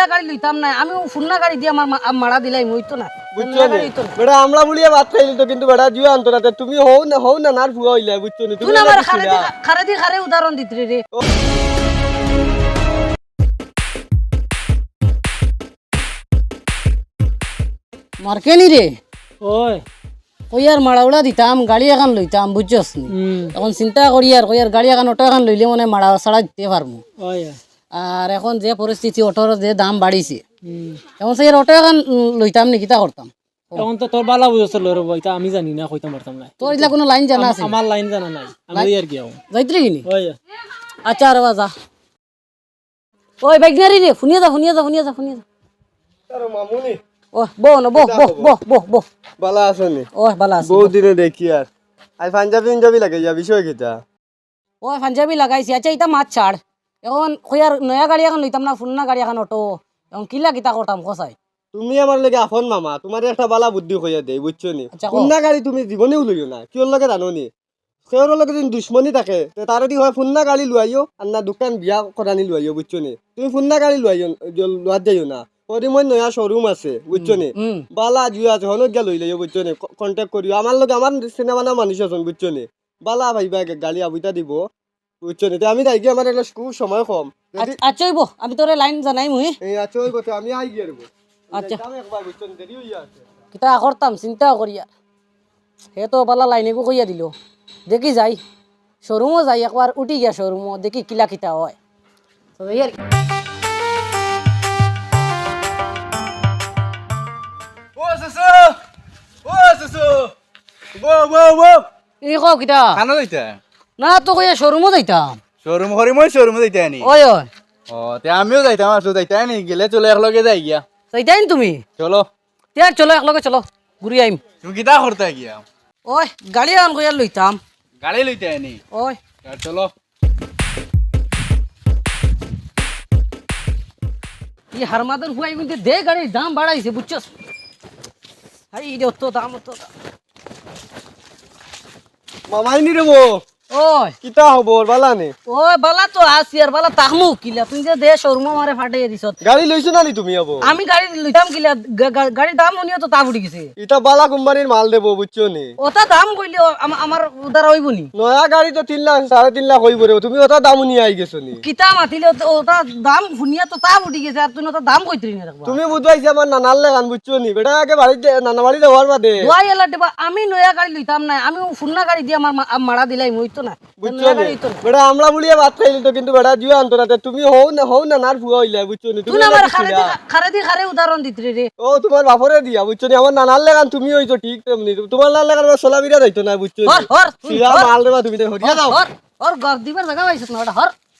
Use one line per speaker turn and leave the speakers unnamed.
নয়া গাড়ি লইতাম না, আমি ফুন্না গাড়ি দিয়ে আমার মারা দিলাই হইতো না।
বুঝছো নি বেটা আমরা বলিয়া ভাত খাইলি তো কিন্তু বেটা জুয়া আনতো না তুমি হও না নার ফুয়া হইলা বুঝছো নি
তুই আমার খারে উদাহরণ দিতরে রে। মার্কেনি রে
ওই
কইয়ার মাড়াউড়া দিতাম, গাড়ি এখন লইতাম বুঝছস নি। এখন চিন্তা করি আর কইয়ার গাড়ি এখন অটো এখন লইলে মানে মাড়া ছাড়া দিতে পারবো।
ওই
আর এখন যে পরিস্থিতি অটোর যে দাম বাড়িছে, এখন সেই অটো এখন লইতাম নি, কিতা করতাম?
এখন তো তোর বালা বুঝছিল রে বইতা, আমি জানি না কইতাম পারতাম না।
তোর ইলা কোনো লাইন জানা আছে?
আমার লাইন জানা নাই, আমি আর কি আও
যাইতরে কিনি।
ওই
আচ্ছা রে বাজা, ওই বাইকনারি রে শুনিয়ে যা।
আরে মামুনি
ও বো না, বো
বালা আছনি?
ও ভালো আছে।
বহু দিনে দেখি আর আই পাঞ্জাবি লাগে যা বিষয় কিটা?
ও পাঞ্জাবি লাগাইছি। আচ্ছা এটা মাছ ছাড়, এখন কইয়ার নয়া গাড়ি এখন লইতাম না, ফুন্না গাড়ি এখন অটো, এখন কিলা কিতা করতাম কসাই?
তুমি আমার লাগে আফন মামা, তোমার একটা বালা বুদ্ধি কইয়া দেই বুঝছো নি।
আচ্ছা, কও।
ফুন্না গাড়ি তুমি জীবনেও লইও না, কিওর লাগে জানো নি? সেওর লগে যদি দুশ্মনী থাকে তার দি হয় ফুন্না গাড়ি লুয়াইও আর না দোকান বিয়া করানি লুয়াইও বুঝছো নি। তুমি ফুন্না গাড়ি লুয়াইও লুয়াত যাইও না। ওরি মই নয়া শোরুম আছে বুঝছো নি, বালা জুয়া আছে হনক গিয়া লই লইও বুঝছো নি। কন্টাক্ট করিও আমার লগে, আমার সিনেমা না মানুষ আছেন বুঝছো নি। বালা ভাইবা গাড়ি আবুইতা দিব বুঝছো নি। আমি যাই গিয়ে আমার একটা খুব সময় কম।
আচ্ছা হইব, আমি তোরে লাইন জানাই মুই।
এই আচ্ছা ওই কথা আমি আই গিয়ে দেবো।
আচ্ছা
একবার বুঝছো নি, দেরি হইয়া আছে।
কিতা করতাম চিন্তাও করিয়া, হে তো বালা লাইনেকো কইয়া দিল। দেখি যাই শোরুমও যাই, একবার উঠি গিয়া শোরুমও দেখি কিলা কিতা হয়। তো এই আর কি।
ও সুসু ও সুসু বো
এই কও কিতা?
খানো যাইতা
না তো কইয়া শোরুমও যাইতাম।
শোরুম করি মই শোরুমে যাইতা নি
ওই
ও তে আমিও যাইতাম আসো যাইতা নি গেলে চলে একলগে যাই গিয়া
যাইতাই তুমি?
চলো
তিয়া চলো একলগে চলো, ঘুরি আইম।
তুমি কিতা করতে গিয়া
ওই গাড়ি এখন কইয়া লইতাম।
গাড়ি লইতে নি
ওই
চলো
এই হারমাদের হুয়াই কিন্তু দে গাড়ির দাম বাড়াইছে বুঝছস। আই রে অত দাম।
মামাই নি রে বো
ওই
কিতা খবর বালা নে?
ওই বালা তো আসি আর বালা তাহমু কিলা, তুই যে দে শোরুম মারে ফাটাই দিছত।
গাড়ি লইছো না নি তুমি আবো?
আমি গাড়ি লইতাম কিলা, গাড়ির দাম শুনিও তো তা উঠি গেছে।
ইটা বালা কোম্পানির মাল দেবো বুঝছো নি।
ওটা দাম কইলে আমার উদার হইব নি?
নয়া গাড়ি তো 3 লাখ 3.5 লাখ হইব রে, তুমি ওটা দাম নিয়ে আই গেছো নি।
কিতা মাতিলে ওটা দাম শুনিয়া তো তা উঠি গেছে, আর তুই ওটা দাম কইতরি না রাখবা।
তুমি বুঝবাইছি আমার নানার লাগান বুঝছো নি। বেটা আগে বাড়িতে নানা বাড়িতে হওয়ার বাদে
দোয়াই এলা দেবা, আমি নয়া গাড়ি লইতাম না, আমি ফুন্না গাড়ি দিয়ে আমার মারা দিলাই হইতো না।
বুঝছো নি। বেটা আমরা বলিয়া ভাত খাইলি তো কিন্তু বেটা জুয়া আনতো না তুমি হও না নার ফুয়া হইলা বুঝছো নি।
তুই আমার খারে উদাহরণ দিতরে রে।
ও তোমার বাপরে দিয়া বুঝছো নি। আমার নানার লাগান তুমি হইছো ঠিক তেমনি, তোমার নানার লাগান সোলা বিরা যাইতো না বুঝছো নি।
হর
সিরা মাল দেবা তুমি হরিয়া দাও।
হর গক দিবার জায়গা পাইছিস না ওটা হর।